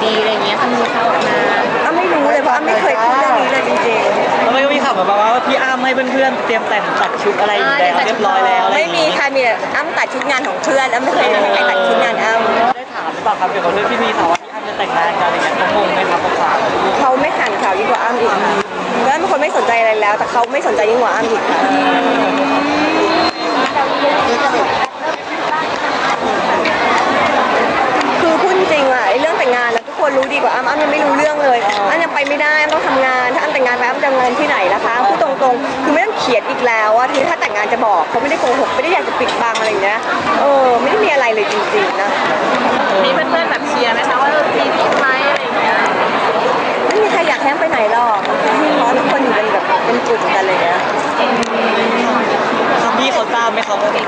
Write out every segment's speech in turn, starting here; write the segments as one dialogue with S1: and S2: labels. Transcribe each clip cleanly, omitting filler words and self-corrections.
S1: อะไรเงี้ยมันมีข่าวออกมา
S2: ไม่รู้เลยเพราะไม่เคยพูดเรื่องนี้เลยจริง
S3: ๆแล้วก็มีข่าวแบบว่าพี่อ้ำให้เพื่อนๆเตรียมแต่งตัดชุดอะไรแล้วเรียบร้อยแล้ว
S2: ไม่มีค่ะมีแต่อ้ำตัดชุดงานของเพื่อนอ้ำไม่เคยให้ใครตัดชุดงานอ้ำ
S3: ได้ถามหรือเปล่าครับเกี่ยวกับเรื่องที่มีข่าวว่าพี่อ้ำจะแต่งงานกันอะไรเงี้ยเขางงไหมครับข่าว
S2: เขาไม่ขันข่าวยิ่งกว่าอ้ำอีกแล้วเป็นคนไม่สนใจอะไรแล้วแต่เขาไม่สนใจยิ่งกว่าอ้ำอีกค่ะคือพูดจริงอะเรื่องแต่งงานแล้วทุกคนรู้ดีกว่าอ้ำยังไม่รู้เรื่องเลยอ้ำยังไปไม่ได้อ้ำต้องทำงานถ้าอ้ำแต่งงานไปอ้ำจะเงินที่ไหนนะคะพูดตรงๆคือไม่ต้องเขียนอีกแล้วว่าทีถ้าแต่งงานจะบอกเขาไม่ได้โกหกไม่ได้อยากจะปิดบังอะไรอย่างเงี้ยไม่ได้มีอะไรเลยจริงๆนะ
S1: มีเพื่อนๆแบบเชียร์ไหมคะว่าปีนี้ไหมอะไรอย่างเงี้ย
S2: ไม่มีใครอยากแท้งไปไหนหรอกเพราะทุกคนอยู่เป็นแบบเป็นกลุ่มกันเลยนะ
S3: พี่เขาทราบไหมครับว่า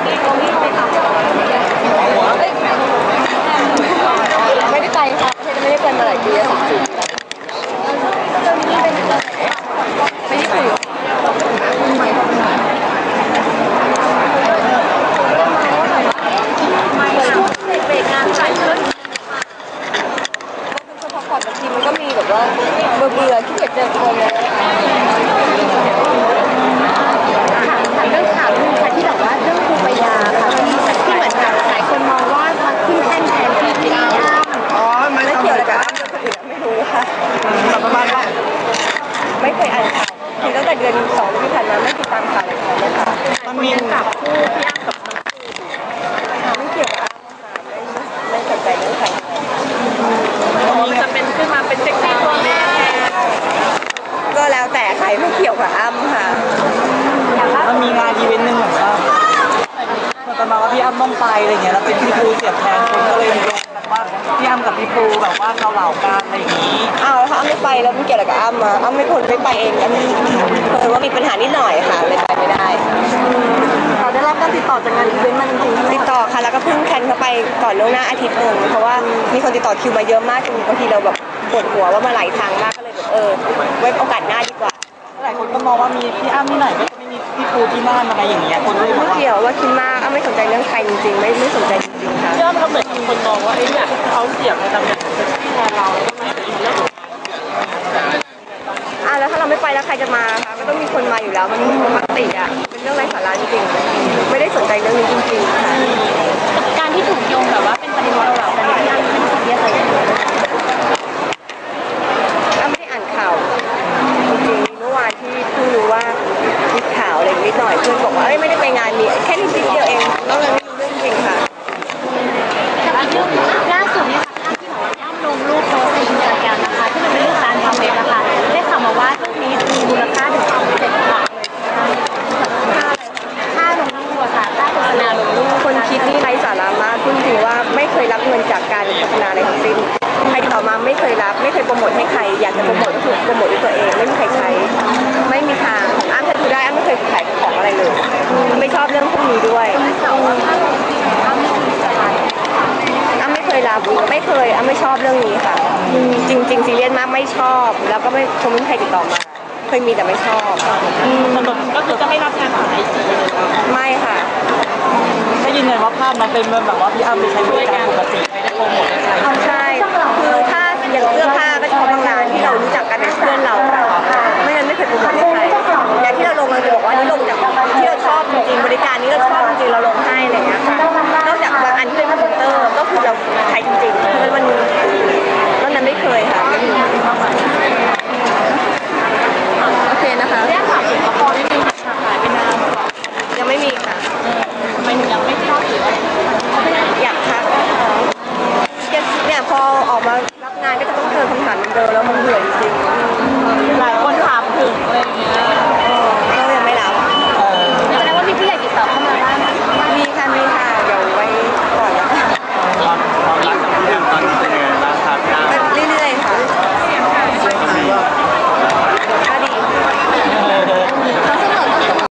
S2: ไม่ได้ไปค่ะไม่ได้ไปมาหลายปีแล้ว2 ปีไม่ได้คุยเบรกงานใส่ขึ้นคือพอก่อนบางทีมันก็มีแบบว่าเบื่อที่เกียจเจอคนเลย
S1: เรื่องข่าวนึงค่ะที่แบบว่าเรื่องครูปยาค่ะที่เหมือนกับหลายคนมองว่ามาขึ้นแท่นแทนที่พี่อ้ำ
S2: ไม่เกี่ยวอะไรกับอ้ำไม่รู้ค่ะ
S3: ประมาณว่า
S2: ไม่เคยอ่านข่าวคือตั้งแต่เดือน2ที่ผ่านมาไม่ติดตามข่าวเลยค่ะ
S1: มันมีกับคู่พี่อ้ำกับ
S2: ไม่เกี่ยวกับไม่สนใจเรื่องใคร
S1: มันจะเป็นขึ้นมาเป็นเซ็กซี่ตัวแม่
S2: ก็แล้วแต่ใครไม่เกี่ยวกับอ้ำค่ะ
S3: มันมีงานอีเวนต์หนึ่งเหมือนว่ามันประมาณว่าพี่อ้ำต้องไปอะไรเงี้ยแล้วเป็นพี่ปูเสียบแทนคนก็เลยโยงกันว่าพี่อ้ำกับพี่ปูแบบว่าเกาเหลากันอะไรอย่างนี้
S2: ถ้าอ้ำไม่ไปแล้วมันเกี่ยวอะไรกับอ้ำอ้ำไม่ควรไม่ไปเองอ้ำเคยว่ามีปัญหานิดหน่อยค่ะเลยไปไม่ได้เราได้รับการติดต่อจากงานอีเวนต์มันจริงติดต่อค่ะแล้วก็เพิ่งแคนเข้าไปก่อนล่วงหน้าอาทิตย์นึงเพราะว่ามีคนติดต่อคิวมาเยอะมากจนบางทีเราแบบปวดหัวว่ามาหลายทางมากก็เลยแบบไว้โอกาสหน้าดีกว่า
S3: หลายคนก็มองว่ามีพี่อ้ำที่ไหนก็จะไม่มีพี่ปูที่นั่นอะไรอย่างเงี้ยคนเลยบอกว่า
S2: เกี่ยวว่าคิดมากอ้ำไม่สนใจเรื่องใครจริงๆไม่สนใจจริงๆค่ะ
S1: พี่อ้ำเขาเหมือนคนมองว่าอยากเขาเสียบในตำแหน่งเซ็กซี่แทนเราแล้วก็ไม่
S2: แล้วถ้าเราไม่ไปแล้วใครจะมาคะก็ต้องมีคนมาอยู่แล้วมันปกติอ่ะเป็นเรื่องไร้สาระจริงๆไม่ได้สนใจเรื่องนี้จริงๆค่ะ
S1: การที่ถูกโยงแบบว่าเป็นประเด็นเราแต่พี่อ้ำไม่ได้เรียกอะไร
S2: อ้ำไม่ได้อ่านข่าวจริงๆเมื่อวานที่เพิ่งรู้ว่ามีข่าวอะไรนิดหน่อยเพื่อนบอกว่าไม่ได้ไปงานนี้แค่นิดเดียวเองนอกนั้นไม่รู้เรื่องจริงค่ะ
S1: ล่าสุดเนี่ยค่ะที่บอกว่าอ้ำลงรูปโพสในอินสตาแกรมนะคะที่มันเป็นเรื่องการทำเว็บนะคะได้ข่าวมาว่ารูปนี้มีมูลค่าถึง7 บาทค่าลงรูปค่ะค่าโฆษณาลงรูป
S2: คนคิดนี่ไร้สาระมากจริงๆว่าไม่เคยรับเงินจากการโฆษณาอะไรทั้งสิ้นใครต่อมาไม่เคยรับไม่เคยโปรโมทให้ใครอยากจะโปรโมทก็คือโปรโมทด้วยตัวเองไม่มีใครใช้ไม่มีทางอ้ำเคยดูได้อ้ำไม่เคยขายของอะไรเลยไม่ชอบเรื่องพวกนี้ด้วยอ้ำไม่เคยรับไม่เคยอ้ำไม่ชอบเรื่องนี้ค่ะจริงๆซีเรียสมากไม่ชอบแล้วก็ไม่คงไม่มีใครติดต่อมาเคยมีแต่ไม่ชอบ
S1: ก็คือจะไม่รับงานของไอซีเลย
S2: ไม่ค่ะ
S3: ถ้ายืนยันว่าภาพนั้นเป็นแบบว่าพี่อ้ำไปใช้บริการปกติไม่ได้โปรโมทให้ใคร
S2: ใช่คือถ้าอย่างเสื้อผ้าก็เฉพาะบางร้านที่เรารู้จักกันเป็นเพื่อนเราไม่งั้นไม่เคยโปรโมทให้ใครอย่างที่เราลงเราจะบอกว่านี่ลงจากที่เราชอบจริงๆบริการนี้เราชอบจริงๆเราลงให้อะไรอย่างเงี้ยค่ะนอกจากบางอันที่เป็นคอมพิวเตอร์ก็คือเราใช้จริงๆเพราะมันนอกนั้นไม่เคยค่ะโอเคนะคะ
S1: เรียกข่าวถึงละครไม่มีค่ะหายไปนาน
S2: ยังไม่มีค่ะ
S1: ทำไมถึงยังไม่ชอบหรือว่า
S2: อยากพักเนี่ยพอออกมารับงานก็จะต้องเจอคำถามเดิมแล้วมันเบื่อจริงๆ